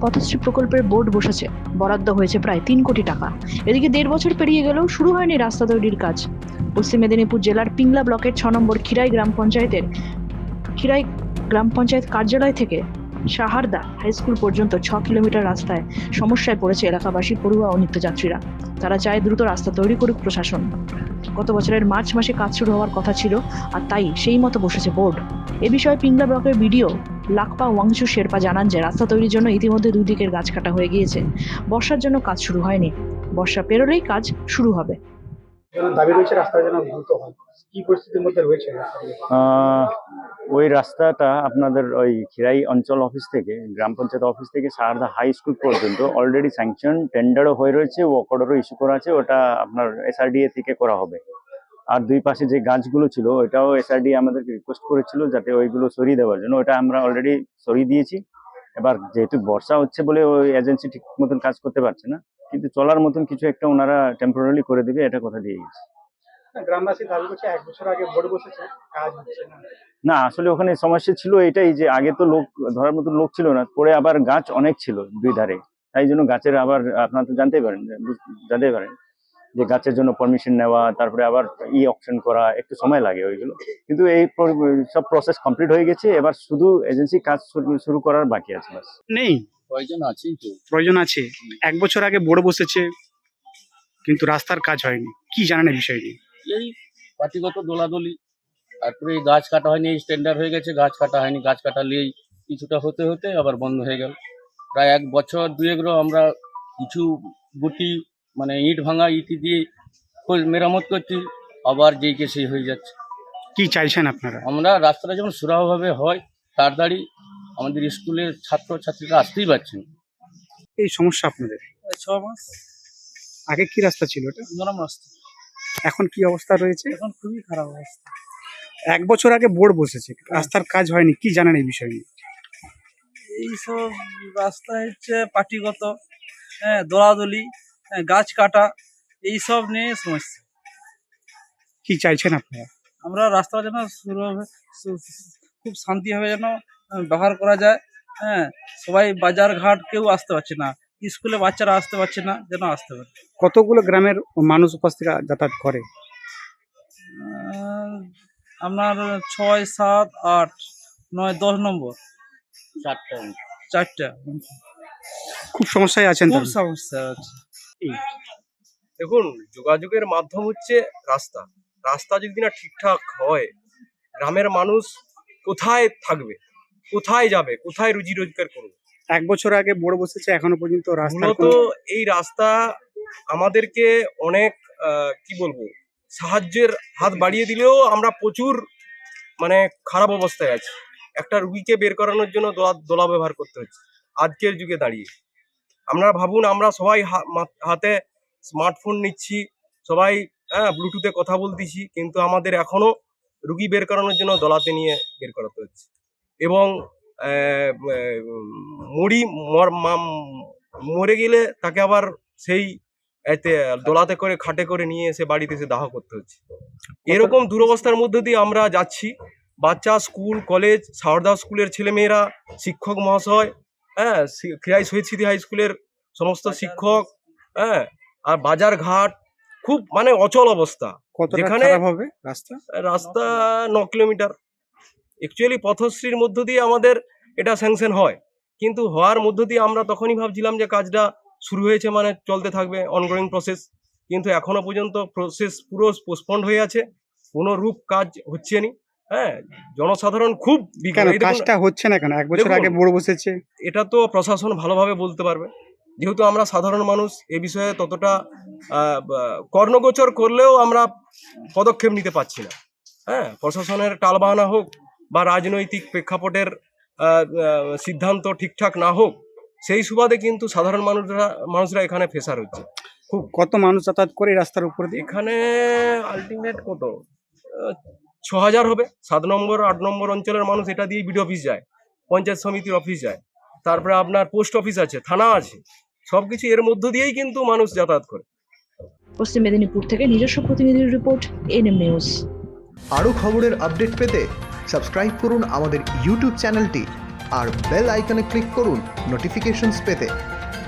পথশ্রী প্রকল্পের বোর্ড বসেছে, বরাদ্দ হয়েছে প্রায় 3 কোটি টাকা। এদিকে 1.5 বছর পেরিয়ে গেলেও শুরু হয়নি রাস্তা তৈরির কাজ। পশ্চিম মেদিনীপুর জেলার পিংলা ব্লকের 6 নম্বর খিরাই গ্রাম পঞ্চায়েত কার্যালয় থেকে সাহারদা হাই স্কুল পর্যন্ত 6 কিলোমিটার রাস্তায় সমস্যায় পড়েছে এলাকাবাসী, পড়ুয়া ও নিত্যযাত্রীরা। তারা চায় দ্রুত রাস্তা তৈরি করুক প্রশাসন। গত বছরের মার্চ মাসে কাজ শুরু হওয়ার কথা ছিল, আর তাই সেই মতো বসেছে বোর্ড। এ বিষয়ে পিংলা ব্লকের বিডিও লাকপা ওয়াংচু শেরপা জানান যে রাস্তা তৈরির জন্য ইতিমধ্যে 2 দিকের গাছ কাটা হয়ে গিয়েছে। বর্ষার জন্য কাজ শুরু হয়নি, বর্ষা পেরোলেই কাজ শুরু হবে। দাবি রয়েছে রাস্তা যেন দ্রুত হয়। কি পরিস্থিতির মধ্যে রয়েছে? ওই রাস্তাটা আপনাদের ওই খিরাই অঞ্চল অফিস থেকে, গ্রাম পঞ্চায়েত অফিস থেকে সারদা হাই স্কুল পর্যন্ত অলরেডি স্যাংশন, টেন্ডারও হয়ে রয়েছে, ওয়ার্ক অর্ডারও ইস্যু করা আছে। ওটা আপনার এসআরডিএ থেকে করা হবে। আর দুই পাশে যে গাছগুলো ছিল ওটাও এসআরডিএ আমাদেরকে রিকোয়েস্ট করেছিল যাতে ওইগুলো সরিয়ে দেওয়ার জন্য, ওটা আমরা অলরেডি সরিয়ে দিয়েছি। এবার যেহেতু বর্ষা হচ্ছে বলে ওই এজেন্সি ঠিক মতন কাজ করতে পারছে না, কিন্তু চলার মতন কিছু একটা ওনারা টেম্পোরারি করে দেবে, এটা কথা দিয়ে গেছে। গ্রামবাসী দাবি করছে 1 বছর আগে বোর্ড বসেছে, কাজ হচ্ছে না। না, আসলে ওখানে সমস্যা ছিল এটাই যে আগে তো লোক ধরার মতো লোক ছিল না, পরে আবার গাছ অনেক ছিল দুই ধারে, তাই জন্য গাছের আবার আপনারা তো জানতে পারেন যে গাছের জন্য পারমিশন নেওয়া, তারপরে আবার অকশন করা, একটু সময় লাগে ওইগুলো। কিন্তু এই সব প্রসেস কমপ্লিট হয়ে গেছে, এবার শুধু এজেন্সি কাজ শুরু করার বাকি আছে। বাস নেই, প্রয়োজন আছে। 1 বছর আগে বোর্ড বসেছে কিন্তু রাস্তার কাজ হয়নি। কি জানেন এই বিষয় নিয়ে? এই পার্টিগত দোলাদলি, তারপরে গাছ কাটা হয়নি, স্ট্যান্ডার্ড হয়ে গেছে, গাছ কাটা হয়নি। গাছ কাটা নিয়েই কিছুটা হতে হতে আবার বন্ধ হয়ে গেল। প্রায় 1 বছর 2 আমরা কিছু গুটি মানে ইট ভাঙা ইটি দিয়ে মেরামত করছি, আবার যেইকে সেই হয়ে যাচ্ছে। কি চাইছেন আপনারা? আমরা রাস্তাটা যেমন সুরাহভাবে হয়, তাড়াতাড়ি আমাদের স্কুলের ছাত্রছাত্রীরা আসতেই পারছেন। এই সমস্যা আপনাদের 6 মাস আগে কি রাস্তা ছিল এটা? নরম রাস্তা, এখন কি অবস্থা রয়েছে? এখন খুবই খারাপ অবস্থা। 1 বছর আগে বোর্ড বসেছে, রাস্তার কাজ হয়নি। কি জানেন এই বিষয় নিয়ে? এইসব রাস্তা হচ্ছে পার্টিগত, দোলাদলি, গাছ কাটা, এইসব নিয়ে সমস্যা। কি চাইছেন আপনারা? আমরা রাস্তা যেন খুব শান্তিভাবে যেন ব্যবহার করা যায়। সবাই বাজার ঘাট কেউ আসতে পারছে না, স্কুলে বাচ্চারা আসতে পারছে না, যেন আসতে পারে। কতগুলো গ্রামের মানুষ উপস্থিত যাতায়াত করে? আপনার 6, 7, 8, 9, 10 নম্বর 4টা খুব সমস্যায় আছেন খুব তাহলে? সমস্যা আছে। দেখুন, যোগাযোগের মাধ্যম হচ্ছে রাস্তা। রাস্তা যদি না ঠিকঠাক হয়, গ্রামের মানুষ কোথায় থাকবে, কোথায় যাবে, কোথায় রুজি রোজগার করবে? 1 বছর আগে বোর্ড বসেছে, এখনো পর্যন্ত রাস্তা মূলত এই রাস্তা আমাদেরকে অনেক কি বলবো, সাহায্যের হাত বাড়িয়ে দিলেও আমরা প্রচুর মানে খারাপ অবস্থায় আছি। একটা রুগীকে বের করানোর জন্য দোলা ব্যবহার করতে হচ্ছে আজকের যুগে দাঁড়িয়ে। আমরা ভাবুন, আমরা সবাই হাতে স্মার্টফোন নিচ্ছি, সবাই ব্লুটুথে কথা বলতেছি, কিন্তু আমাদের এখনো রুগী বের করানোর জন্য দলাতে নিয়ে বের করাতে হচ্ছে। এবং মরে গেলে তাকে আবার সেই দোলাতে করে খাটে করে নিয়ে এসে বাড়িতে এসে দাহ করতে হচ্ছে। এরকম দুরবস্থার মধ্যে দিয়ে আমরা যাচ্ছি। বাচ্চা, স্কুল, কলেজ, সারদা স্কুলের ছেলেমেয়েরা, শিক্ষক মহাশয়, খিরাই শহীদ স্মৃতি হাই স্কুলের সমস্ত শিক্ষক, আর বাজার ঘাট খুব মানে অচল অবস্থা। যেখানে রাস্তা 9 কিলোমিটার অ্যাকচুয়ালি পথশ্রীর মধ্য দিয়ে আমাদের এটা স্যাংশন হয়, কিন্তু হওয়ার মধ্য দিয়ে আমরা তখনই ভাবছিলাম যে কাজটা শুরু হয়েছে মানে চলতে থাকবে, অনগোয়িং প্রসেস। কিন্তু এখনো পর্যন্ত প্রসেস পুরো পোস্টপন্ড হয়ে আছে, কোনো রূপ কাজ হচ্ছে না। জনসাধারণ খুব কাজটা হচ্ছে না কেন? 1 বছর আগে বোর্ড বসেছে। এটা তো প্রশাসন ভালোভাবে বলতে পারবে, যেহেতু আমরা সাধারণ মানুষ এ বিষয়ে ততটা কর্ণগোচর করলেও আমরা পদক্ষেপ নিতে পারছি না। প্রশাসনের টালবাহানা হোক বা রাজনৈতিক প্রেক্ষাপটের সিদ্ধান্ত ঠিকঠাক না হোক, সেই সুবাদে কিন্তু সাধারণ মানুষরা এখানে ফেসার হচ্ছে। কত মানুষ যাতায়াত করে রাস্তার উপর দিয়ে? এখানে আলটিমেট কত 6000 হবে। 7 নম্বর 8 নম্বর অঞ্চলের মানুষ এটা দিয়ে বিডিও অফিস যায়, পঞ্চায়েত সমিতির অফিস যায়, তারপরে আপনার পোস্ট অফিস আছে, থানা আছে, সবকিছু এর মধ্য দিয়েই কিন্তু মানুষ যাতায়াত করে। পশ্চিম মেদিনীপুর থেকে নিজস্ব প্রতিনিধির রিপোর্ট, এনএম নিউজ। আরও খবরের আপডেট পেতে সাবস্ক্রাইব করুন আমাদের ইউটিউব চ্যানেলটি আর বেল আইকনে ক্লিক করুন নোটিফিকেশনস পেতে।